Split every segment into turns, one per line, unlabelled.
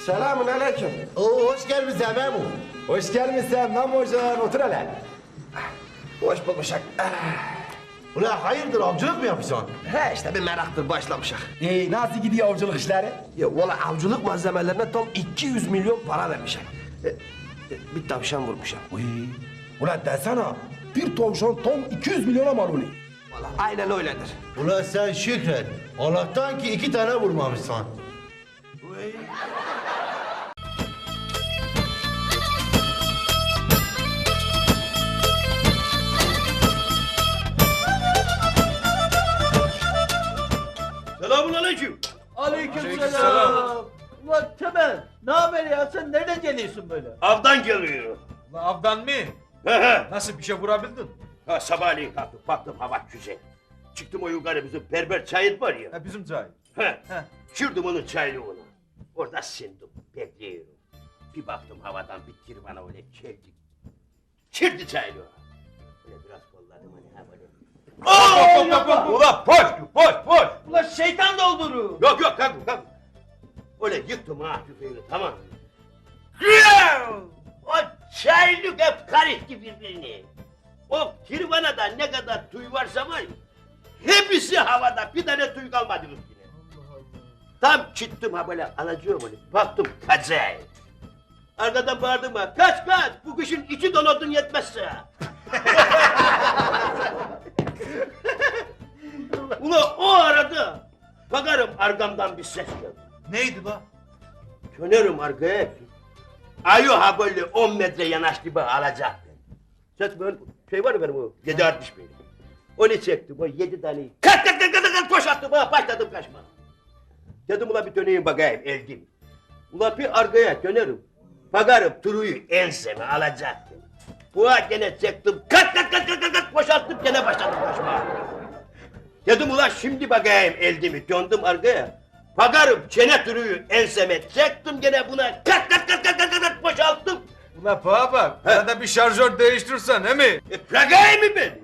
Selamun aleyküm.
Oo, hoş gelmişsin Memo.
Hoş gelmişsin Memocan, otur hele.
Hoş bulmuşak.
Ulan hayırdır avcılık mı yapıyorsun?
He işte bir meraktır başlamışak.
Nasıl gidiyor avcılık işleri?
Ya valla avcılık malzemelerine tam 200 milyon para vermişak. Bir tavşan vurmuşam.
Uy, ulan desene, bir tavşan tam 200 milyona mal oluyor.
Valla aynen öyledir.
Ulan sen şükret. Allah'tan ki 2 tane vurmamışsın.
Selamünaleyküm.
Aleykümselam. Ulan Temel, ne haber ya? Sen nereden geliyorsun böyle?
Avdan geliyorum.
La avdan mı?
He he.
Nasıl bir şey vurabildin?
Ha, sabahleyin kalktım, baktım hava güzel. Çıktım o yukarı bizim berber çayır var ya.
Ha bizim cahil.
He. Sürdüm onun çaylığını. Orada sindim, bekliyorum. Bir baktım havadan bir kirvana öyle çeldi. Çirdi çaylığı. Öyle biraz kolladım hani ha böyle. Ulan boş.
Ulan şeytan doldurur.
Yok kalk. Öyle yıktım ha tüfeğini, tamam. O çaylık hep karıştı birbirini. O kirvanada ne kadar tüy varsa var ya, hepsi havada, bir tane tüy kalmadı üstüne. Tam çıktım ha böyle, alacağım öyle, baktım kazay. Arkadan bağırdım ha, kaç, bu kışın içi donatın yetmezse. Ula o arada, bakarım arkamdan bir ses geldi.
Neydi la?
Dönerim arkaya. Ayı ha böyle 10 metre yanaştı bana alacak. Ses böyle şey var ya benim o 7.60 benim. Onu çektim o 7 taneyi. Kalk koşattım ha, başladım kaçma. Dedim ulan bir döneyim bakayım eldim. Ulan bir arkaya dönerim. Bakarım turuyu enseme alacaktım. Ulan gene çektim. Kalk koşattım gene başladım kaçma. Dedim ulan şimdi bakayım eldimi, döndüm arkaya. Bakarım çene turuyu enseme çektim gene buna kat boşalttım.
Ula bana bak, arada bir şarjör değiştirsen he mi?
Bırakayım mı ben?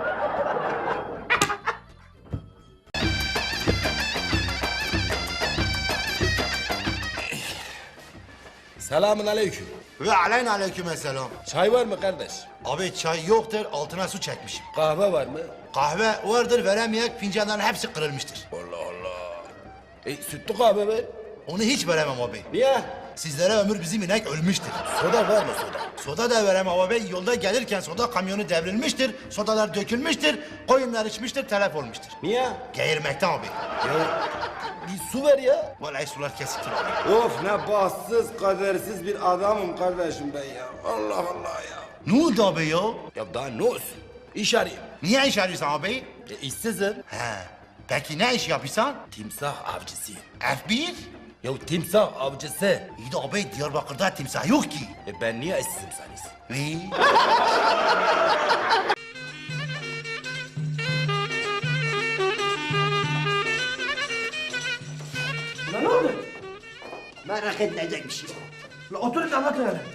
Selamun aleyküm.
Ve aleykümselam.
Çay var mı kardeş?
Abi çay yoktur, altına su çekmişim.
Kahve var mı?
Kahve vardır, veremeyek, fincanların hepsi kırılmıştır.
Allah Allah. Sütlü kahve ver.
Onu hiç veremem abi.
Niye?
Sizlere ömür bizim inek ölmüştür.
Soda var mı soda?
Soda da veremem abi. Yolda gelirken soda kamyonu devrilmiştir. Sodalar dökülmüştür. Koyunlar içmiştir, telef olmuştur.
Niye?
Geğirmekten abi.
Ya bir su ver ya.
Vallahi sular kesiktir abi.
Of ne bahtsız, kadersiz bir adamım kardeşim ben ya. Allah Allah ya.
Ne oldu abi ya?
Ya daha ne olsun? İş arayayım.
Niye iş arıyorsun abi?
İşsizim.
He. Peki ne iş yapıyorsun?
Timsah avcısıyım.
F1?
Ya timsah avcısı.
İyi de abi Diyarbakır'da timsah yok ki.
Ben niye işsizim sanıyorsun?
Ve?
Ne oldu?
Merak edilecek bir şey yok.
La oturun da anlatın hele.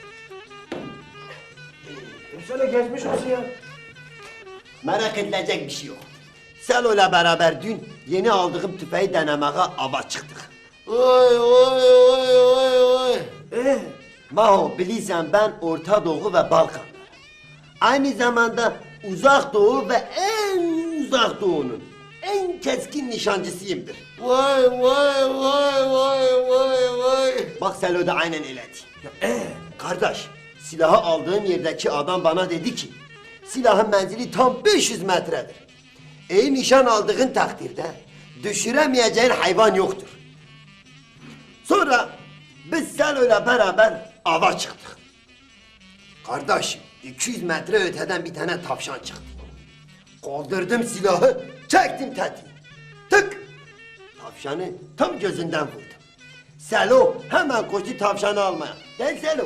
Şöyle geçmiş olsun ya.
Merak edilecek bir şey yok. Selo'yla beraber dün yeni aldığım tüfeği denemeye ava çıktık.
Oy.
Maho bilirsen ben Orta Doğu ve Balkan. Aynı zamanda Uzak Doğu ve en Uzak Doğu'nun en keskin nişancısıyımdır.
Vay.
Bak Selo da aynen öyleydi. Kardeş, silahı aldığım yerdeki adam bana dedi ki silahın menzili tam 500 metredir. İyi nişan aldığın takdirde düşüremeyeceğin hayvan yoktur. Sonra biz Selo'yla beraber ava çıktık. Kardeşim 200 metre öteden bir tane tavşan çıktı. Kaldırdım silahı, çektim tetiği. Tık! Tavşanı tam gözünden vurdum. Selo hemen koştu tavşanı almaya. Gel Selo.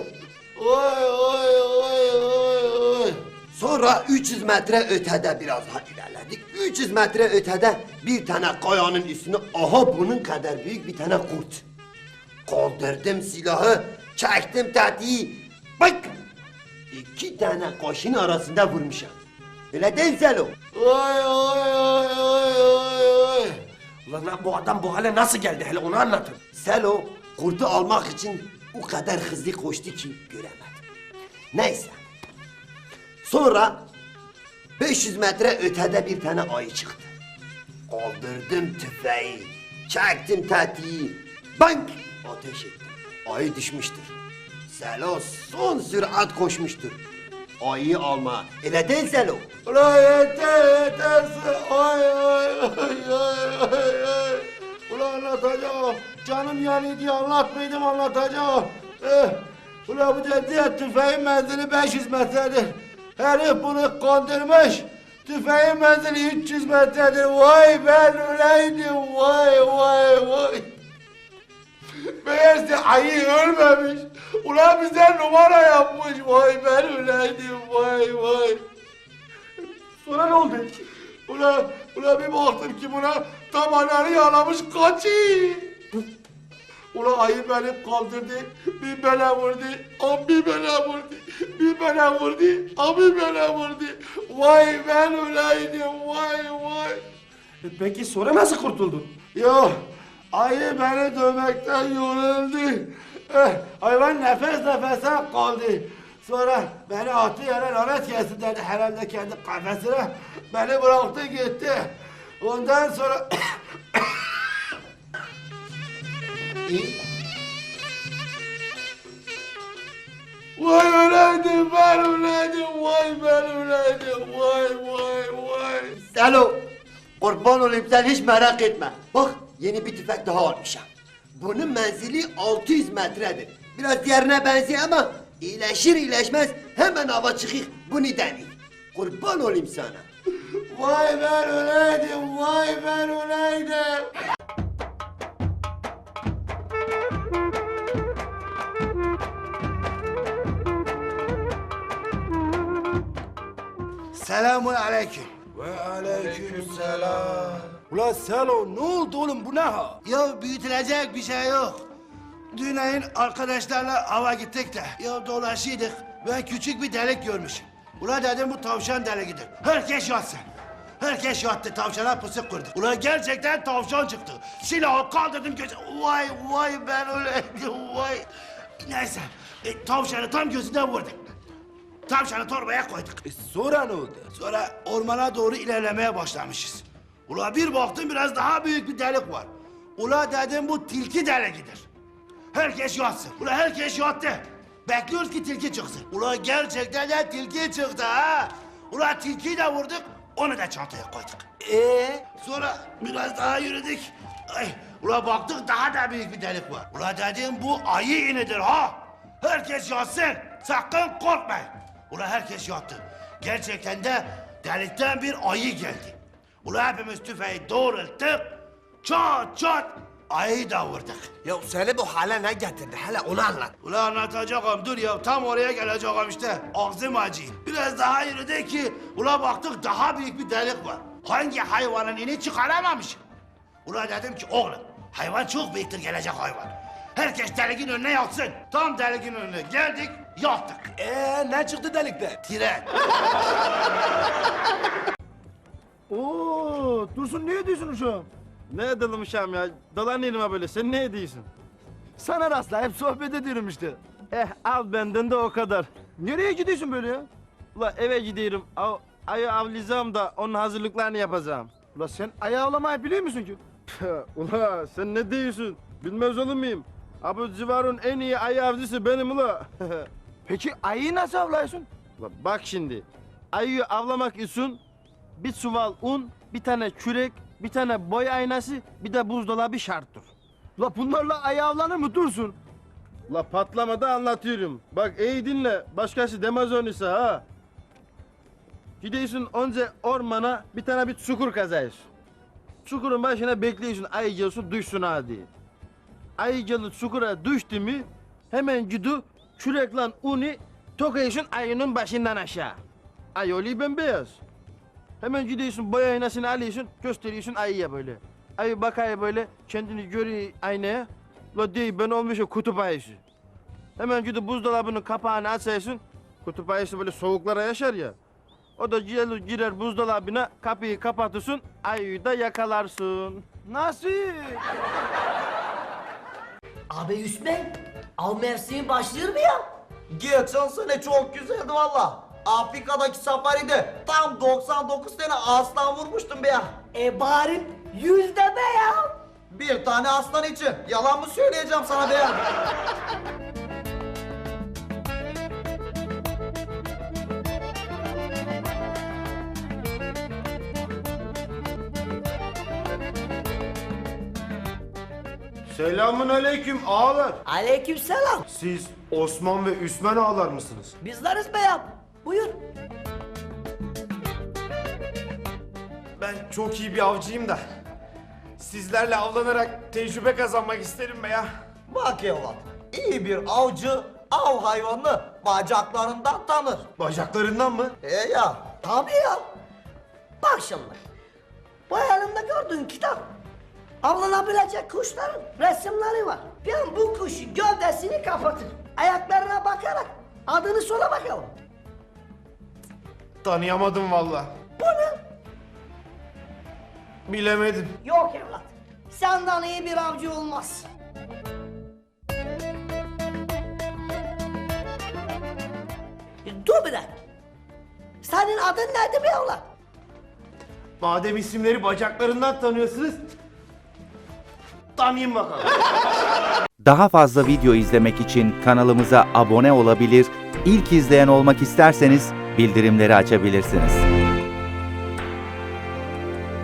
Oy.
Sonra 300 metre ötede biraz daha ilerledik. 300 metre ötede bir tane kayanın üstüne aha bunun kadar büyük bir tane kurt. Kaldırdım silahı, çektim tetiği. Bak! 2 tane kaşın arasında vurmuşum. Öyle değil Selo.
Oy.
Ulan lan bu adam bu hale nasıl geldi hele onu anlatın.
Selo Kurtu almak için o kadar hızlı koştu ki göremedim. Neyse. Sonra 500 metre ötede bir tane ayı çıktı. Kaldırdım tüfeği, çektim tetiği, bank ateş ettim. Ayı düşmüştür. Selo son sürat koşmuştur. Ayıyı alma. Öyle değil Selo.
Ulan yeter. Ay ay ay ay ay. Ulan anlatacağım. Canım yani diye anlatmaydım anlatacağım. Ulan bu dedi tüfeğin menzili 500 metredir. Herif bunu kandırmış. Tüfeğin menzili 300 metredir. Vay ben öyleydim. Vay. Meğerse ayı ölmemiş. Ulan bize numara yapmış. Vay ben öyleydim. Vay. Sonra ne oldu? Ulan bir baktım ki buna tabanları yalamış kaçıyor. Ulan ayı beni kaldırdı, bir bana vurdu, bir bana vurdu, bir bana vurdu, bir bana vurdu. Vay ben öyleydim, vay.
Peki sonra nasıl kurtuldun?
Yok, ayı beni dövmekten yoruldu. Hayvan nefes nefese kaldı. Sonra beni attı yere lanet gelsin dedi herhalde kendi kafesine. Beni bıraktı gitti. Ondan sonra... Vay öyleydim, ben öyleydim, vay ben öyleydim, vay.
Selo, kurban olayım sen hiç merak etme. Bak yeni bir tüfek daha almışım. Bunun menzili 600 metredir. Biraz diğerine benziyor ama iyileşir iyileşmez hemen hava çıkık bunu deneyim. Kurban olayım sana.
Vay ben öyleydim. Selamun aleyküm.
Ve aleykümselam.
Ulan Selo ne oldu oğlum bu ne ha? Ya büyütülecek bir şey yok. Dünayın arkadaşlarla hava gittik de ya dolaşıyorduk. Ben küçük bir delik görmüşüm. Ulan dedim bu tavşan deliğidir. Herkes yatsın. Herkes yattı tavşana pusu kurduk. Ulan gerçekten tavşan çıktı. Silahı kaldırdım gözü. Vay ben öyleydim vay. Neyse tavşanı tam gözünden vurduk. Tavşanı torbaya koyduk.
Sonra ne oldu?
Sonra ormana doğru ilerlemeye başlamışız. Ula bir baktım biraz daha büyük bir delik var. Ula dedim bu tilki deliğidir. Herkes yatsın. Ula herkes yattı. Bekliyoruz ki tilki çıksın. Ula gerçekten de tilki çıktı ha. Ula tilkiyi de vurduk, onu da çantaya koyduk. Sonra biraz daha yürüdük. Ula baktık daha da büyük bir delik var. Ula dedim bu ayı inidir ha. Herkes yatsın. Sakın korkmayın. Ula herkes yattı. Gerçekten de delikten bir ayı geldi. Ula hepimiz tüfeği doğrulttuk. Çat ayıyı da vurduk.
Ya seni bu hale ne getirdi? Hele onu anlat.
Ula anlatacağım dur ya tam oraya geleceğim işte. Ağzım acıyor. Biraz daha yürüdük ki ula baktık daha büyük bir delik var. Hangi hayvanın ini çıkaramamış. Ula dedim ki oğlum hayvan çok büyüktür gelecek hayvan. Herkes deliğin önüne yatsın. Tam deliğin önüne geldik yattık.
Ne çıktı delikte?
Tren.
Oo, Dursun ne ediyorsun uşağım?
Ne edelim uşağım ya? Dolanıyorum ha böyle. Sen ne ediyorsun?
Sana rastlayıp sohbet ediyorum işte.
Al benden de o kadar.
Nereye gidiyorsun böyle ya?
Ula eve gidiyorum. Ayı avlayacağım da onun hazırlıklarını yapacağım.
Ula sen ayağı avlamayı biliyor musun ki?
Ula sen ne diyorsun? Bilmez olur muyum? Bu civarın en iyi ayı avcısı benim ula.
Peki ayıyı nasıl avlıyorsun?
Ula bak şimdi. Ayıyı avlamak için bir çuval un, bir tane kürek, bir tane boy aynası, bir de buzdolabı şarttır.
Ula bunlarla ayı avlanır mı Dursun?
La patlamada anlatıyorum. Bak iyi dinle. Başkası demez onu ise ha. Gidiyorsun önce ormana bir tane bir çukur kazıyorsun. Çukurun başına bekliyorsun ayı gelsin düşsün ha diye. Ayı gelip çukura düştü mü hemen gidiyor kürekle unu tokayıyorsun ayının başından aşağı. Ayı oluyor bembeyaz. Hemen gidiyorsun boy aynasını alıyorsun gösteriyorsun ayıya böyle. Ayı bakıyor böyle kendini görüyor aynaya. La değil ben olmuşum kutup ayısı. Hemen gidip buzdolabının kapağını açıyorsun. Kutup ayısı böyle soğuklara yaşar ya. O da girer buzdolabına kapıyı kapatırsın ayıyı da yakalarsın.
Nasıl?
Abi Hüsmen, av mevsimi başlıyor mu ya?
Geçen sene çok güzeldi valla. Afrika'daki safaride tam 99 tane aslan vurmuştum be ya.
Bari 100 deme ya.
Bir tane aslan için yalan mı söyleyeceğim sana be ya?
Selamun aleyküm ağalar.
Aleykümselam.
Siz Osman ve Üsmen ağalar mısınız?
Bizleriz be ya. Buyur.
Ben çok iyi bir avcıyım da. Sizlerle avlanarak tecrübe kazanmak isterim be ya.
Bak evlat, iyi bir avcı av hayvanını bacaklarından tanır.
Bacaklarından mı?
Ya,
Tabii ya. Bak şimdi. Bu elimde gördüğün kitap. Avlanabilecek kuşların resimleri var. Ben bu kuşu gövdesini kapatır. Ayaklarına bakarak adını sola bakalım.
Tanıyamadım valla.
Bu ne?
Bilemedim.
Yok evlat. Senden iyi bir avcı olmaz. Dur bir dakika. Senin adın neydi be evlat?
Madem isimleri bacaklarından tanıyorsunuz, tanıyın bakalım.
Daha fazla video izlemek için kanalımıza abone olabilir, ilk izleyen olmak isterseniz bildirimleri açabilirsiniz.